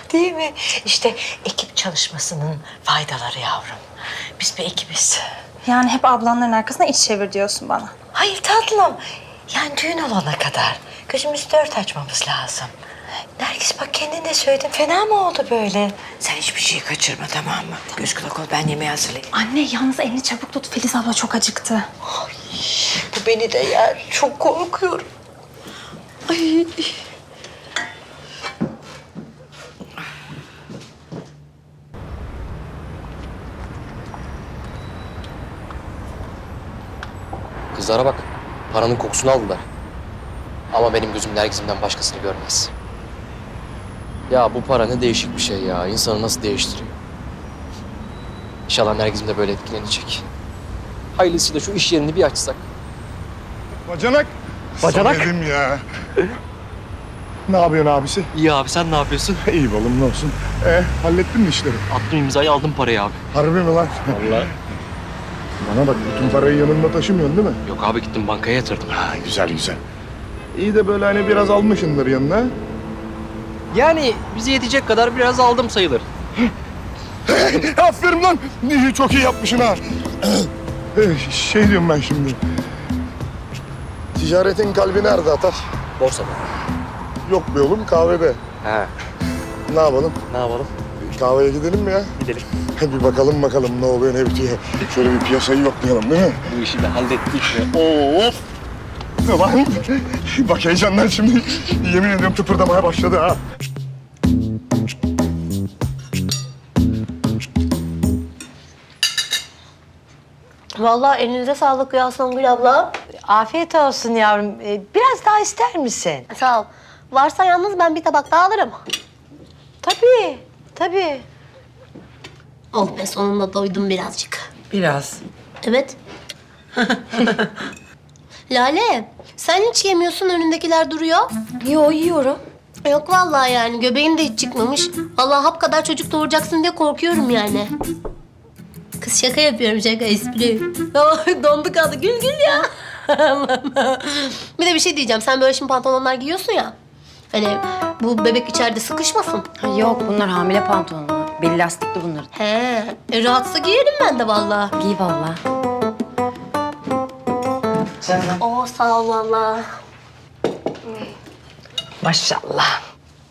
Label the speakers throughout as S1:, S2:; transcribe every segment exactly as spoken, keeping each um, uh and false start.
S1: Değil mi? İşte ekip çalışmasının faydaları yavrum. Biz bir ekibiz.
S2: Yani hep ablanların arkasına iç çevir diyorsun bana.
S1: Hayır tatlım. Yani düğün olana kadar gözümüzü dört açmamız lazım. Nergis bak kendin de söyledin. Fena mı oldu böyle? Sen hiçbir şeyi kaçırma tamam mı? Göz kulak ol ben yemeği hazırlayayım.
S2: Anne yalnız elini çabuk tut. Filiz abla çok acıktı.
S1: Ay, bu beni de yer. Çok korkuyorum. Ay.
S3: Kızlara bak. Paranın kokusunu aldılar. Ama benim gözüm Nergiz'imden başkasını görmez. Ya bu para ne değişik bir şey ya. İnsanı nasıl değiştiriyor. İnşallah Nergiz'im de böyle etkilenecek. Hayırlısıyla şu iş yerini bir açsak.
S4: Bacanak.
S3: Bacanak?
S4: Samedim ya. Ne yapıyorsun abisi?
S5: İyi abi sen ne yapıyorsun?
S4: İyi balım ne olsun. E hallettin mi işleri?
S5: Attım imzayı aldım parayı abi.
S4: Harbi mi lan?
S5: Vallahi.
S4: Bana bak bütün parayı yanında taşımıyorsun değil mi?
S5: Yok abi gittim bankaya yatırdım.
S4: Ha güzel güzel. İyi de böyle hani biraz almışsındır yanına.
S5: Yani bize yetecek kadar biraz aldım sayılır.
S4: Aferin lan. İyi, çok iyi yapmışsın ha. Eh, şey diyorum ben şimdi. Ticaretin kalbi nerede Atar?
S3: Borsada.
S4: Yok be oğlum kahvede.
S3: He.
S4: Ne yapalım?
S3: Ne yapalım?
S4: Kahveye gidelim mi ya?
S5: Gidelim.
S4: Bir bakalım bakalım ne oluyor ne bitiyor. Şöyle bir piyasayı yoklayalım değil mi?
S5: Bu işi de hallettik mi?
S4: Of! Ulan bak heyecandan şimdi yemin ediyorum tıpırdamaya başladı ha.
S6: Vallahi elinize sağlık ya Songül abla.
S1: Afiyet olsun yavrum. Ee, biraz daha ister misin?
S6: Sağ ol. Varsa yalnız ben bir tabak daha alırım.
S1: Tabii, tabii.
S6: Oh be sonunda doydum birazcık.
S1: Biraz.
S6: Evet. Lale, sen hiç yemiyorsun önündekiler duruyor.
S2: Yo yiyorum.
S6: Yok vallahi yani göbeğin de hiç çıkmamış. Allah hap kadar çocuk doğuracaksın diye korkuyorum yani. Kız şaka yapıyorum şaka espri. Dondu kaldı gül gül ya. Bir de bir şey diyeceğim sen böyle şimdi pantolonlar giyiyorsun ya. Hani bu bebek içeride sıkışmasın.
S7: Yok bunlar hamile pantolonlar. Beli lastikli bunların.
S6: He, e, rahatsa giyerim ben de vallahi.
S7: Giy valla.
S1: Canım.
S6: Oo sağ ol vallahi.
S1: Maşallah.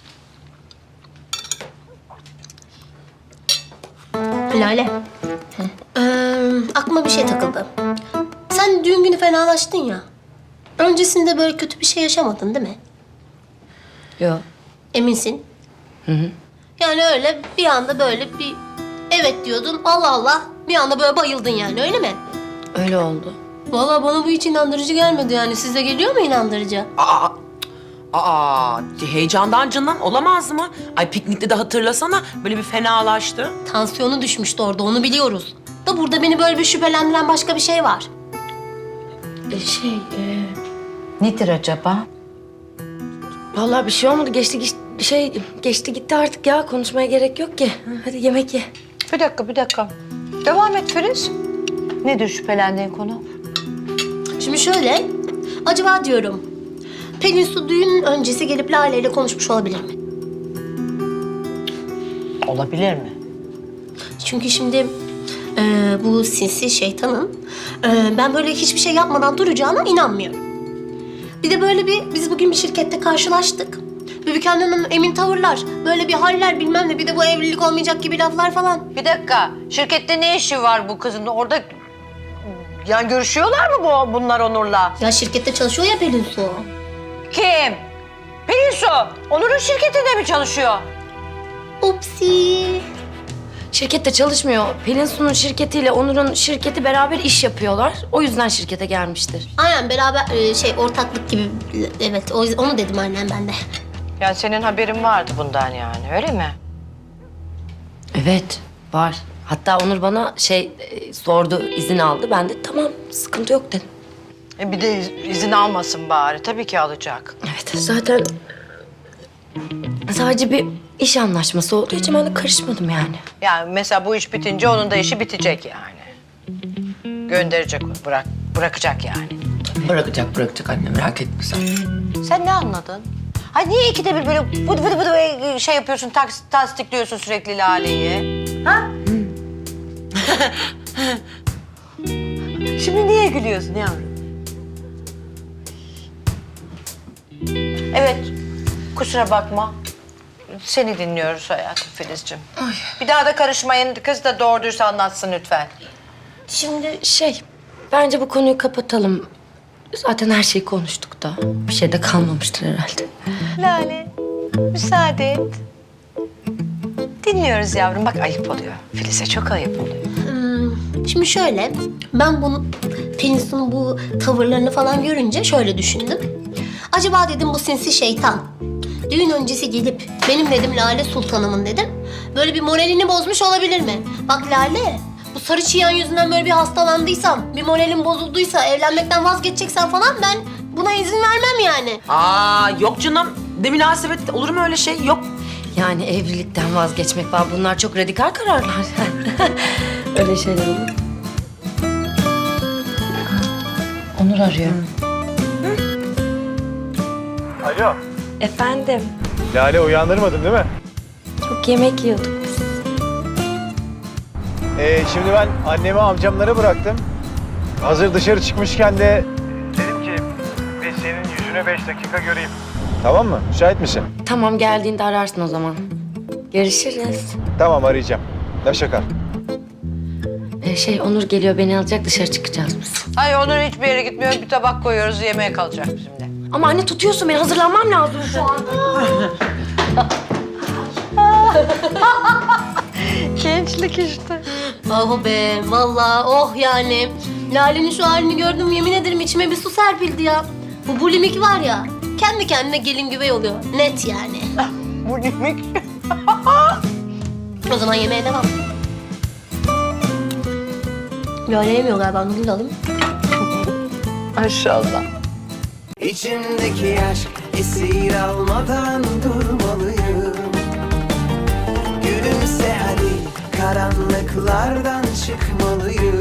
S6: Lale. Ee, aklıma bir şey takıldı. Sen düğün günü fenalaştın ya. Öncesinde böyle kötü bir şey yaşamadın değil mi?
S7: Yok.
S6: Eminsin? Hı hı. Yani öyle bir anda böyle bir evet diyordun Allah Allah bir anda böyle bayıldın yani öyle mi?
S7: Öyle oldu.
S6: Vallahi bana bu hiç inandırıcı gelmedi yani. Size geliyor mu inandırıcı?
S8: Aa, aa, heyecandan candan olamaz mı? Ay piknikte de hatırlasana böyle bir fenalaştı.
S6: Tansiyonu düşmüştü orada onu biliyoruz. Da burada beni böyle bir şüphelendiren başka bir şey var.
S7: E, şey, e,
S1: Nedir acaba?
S7: vallahi bir şey olmadı. Geçti, geçti şey geçti gitti artık ya. Konuşmaya gerek yok ki. Hadi yemek ye.
S1: Bir dakika, bir dakika. Devam et Filiz. Nedir şüphelendiğin konu?
S6: Şimdi şöyle, acaba diyorum, Pelin Su düğün öncesi gelip Lale ile konuşmuş olabilir mi?
S1: Olabilir mi?
S6: Çünkü şimdi e, bu sinsi şeytanın e, ben böyle hiçbir şey yapmadan duracağına inanmıyorum. Bir de böyle bir, biz bugün bir şirkette karşılaştık. Bübüken Hanım emin tavırlar, böyle bir haller bilmem ne, bir de bu evlilik olmayacak gibi laflar falan.
S1: Bir dakika. Şirkette ne işi var bu kızın? Orada yani görüşüyorlar mı bu bunlar Onur'la?
S6: Ya şirkette çalışıyor ya Pelin Su.
S1: Kim? Pelin Su. Onur'un şirketinde mi çalışıyor?
S6: Upsi.
S7: Şirkette çalışmıyor. Pelin Su'nun şirketiyle Onur'un şirketi beraber iş yapıyorlar. O yüzden şirkete gelmiştir.
S6: Aynen beraber e, şey ortaklık gibi, evet o, onu dedim aynen ben de.
S1: Yani senin haberin vardı bundan yani öyle mi?
S7: Evet, var. Hatta Onur bana şey e, sordu, izin aldı. Ben de tamam, sıkıntı yok dedim.
S1: E bir de iz- izin almasın bari. Tabii ki alacak.
S7: Evet, zaten sadece bir iş anlaşması olduğu için ben de karışmadım yani.
S1: Yani mesela bu iş bitince onun da işi bitecek yani. Gönderecek onu, bırak, bırakacak yani.
S8: Bırakacak bırakacak anne merak etme sen.
S1: Sen ne anladın? Ay niye ikide bir böyle vıdı vıdı vıdı şey yapıyorsun, taks, tasdikliyorsun sürekli Lale'yi? Ha? Şimdi niye gülüyorsun yavrum? Evet, kusura bakma. Seni dinliyoruz hayatım Filizciğim. Bir daha da karışmayın. Kız da doğru dürüst anlatsın lütfen.
S7: Şimdi şey, bence bu konuyu kapatalım. Zaten her şeyi konuştuk da. Bir şey de kalmamıştır herhalde.
S1: Lale, müsaade et. Dinliyoruz yavrum. Bak ayıp oluyor. Filiz'e çok ayıp oluyor.
S6: Hmm, şimdi şöyle, ben bunu Pelinsu'nun bu tavırlarını falan görünce şöyle düşündüm. Acaba dedim bu sinsi şeytan düğün öncesi gelip benim dedim Lale Sultanımın dedim. Böyle bir moralini bozmuş olabilir mi? Bak Lale, bu sarı çiyan yüzünden böyle bir hastalandıysam, bir moralim bozulduysa, evlenmekten vazgeçeceksen falan ben buna izin vermem yani.
S8: Aa yok canım. De münasebet olur mu öyle şey? Yok.
S7: Yani evlilikten vazgeçmek falan bunlar çok radikal kararlar. Öyle şeyler olur. Onur arıyor.
S9: Alo.
S7: Efendim,
S9: Lale uyandırmadın değil mi?
S7: çok yemek yiyorduk biz.
S9: Ee, şimdi ben annemi amcamlara bıraktım. Hazır dışarı çıkmışken de dedim ki bir senin yüzüne beş dakika göreyim. Tamam mı? Müsait misin?
S7: Tamam, geldiğinde ararsın o zaman. Görüşürüz.
S9: Tamam arayacağım. Hoşça kal.
S7: Ee, şey, Onur geliyor, beni alacak, dışarı çıkacağız biz.
S1: Ay Onur hiçbir yere gitmiyor. Bir tabak koyuyoruz. Yemeğe kalacak bizimle.
S7: Ama anne tutuyorsun beni, hazırlanmam lazım şu an.
S1: Gençlik işte.
S6: Oh be, vallahi oh yani. Lale'nin şu halini gördüm, yemin ederim içime bir su serpildi ya. Bu bulimik var ya, kendi kendine gelin güvey oluyor. Net yani.
S1: Bu demek.
S6: O zaman yemeğe devam. Lale yemiyor galiba, Nurgül alayım.
S1: Maşallah.
S10: İçimdeki aşk esir almadan durmalıyım. Gülümse hadi, karanlıklardan çıkmalıyım.